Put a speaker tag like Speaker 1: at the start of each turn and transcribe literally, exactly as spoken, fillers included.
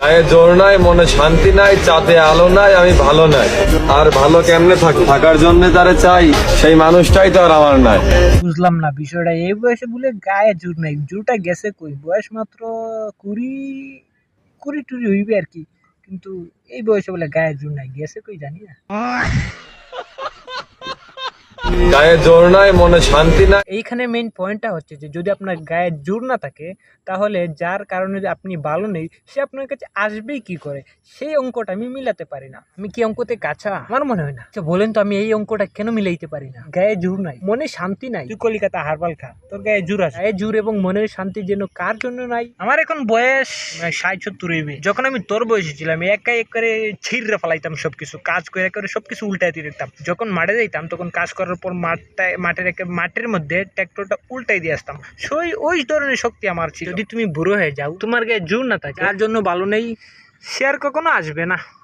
Speaker 1: গায়ে জোর নাই, মনে শান্তি নাই, চাঁদে আলো নাই, আমি ভালো নাই। আর ভালো কেমনে থাকি? থাকার জন্য তারে চাই, সেই মানুষটাই তো আর আমার নাই।
Speaker 2: বুঝলাম না বিষয়টা, এই বয়সে বলে গায়ে জোর নাই। জোরটা গেছে কই? বয়স মাত্র কুড়ি কুড়ি টুড়ি হইবে আর কি, কিন্তু এই বয়সে বলে গায়ে জোর নাই, গেছে কই জানি না।
Speaker 1: গায়ে জোর নাই, মনে শান্তি নাই।
Speaker 2: এইখানে মেইন পয়েন্টটা হচ্ছে যে যদি আপনার গায়ে জোর না থাকে, তাহলে যার কারণে যে আপনি ভালো নেই সে আপনার কাছে আসবেই কি করে, সেই অঙ্কটা আমি মিলাতে পারি না। আমি কি অঙ্কতে কাঁচা? আমার মনে হয় না। আচ্ছা বলেন তো, আমি এই অঙ্কটা কেন মিলাইতে পারি না? গায়ে জোর নাই, মনে শান্তি নাই। তুই কলিকাতা হারবাল খা, তোর গায়ে জোর আছে। গায়ে জোর এবং মনের শান্তি যেন কার জন্য নাই? আমার এখন বয়স ষাট সত্তর হইবে। যখন আমি তোর বয়সে ছিলাম, একাই এক করে ছিঁড়ে ফেলাইতাম সবকিছু, কাজ করে করে সবকিছু উল্টাই দিয়ে দিতাম। যখন মাঠে যাইতাম তখন কাজ করার পর মাঠটা মাঠের একে মাঠের মধ্যে ট্রাক্টরটা উল্টাই দিয়ে আসতাম। সেই ওই ধরনের শক্তি আমার ছিল। যদি তুমি বুড়ো হয়ে যাও, তোমার গায়ে জোর না থাকে, তার জন্য ভালো নেই, সে আর কখনো আসবে না।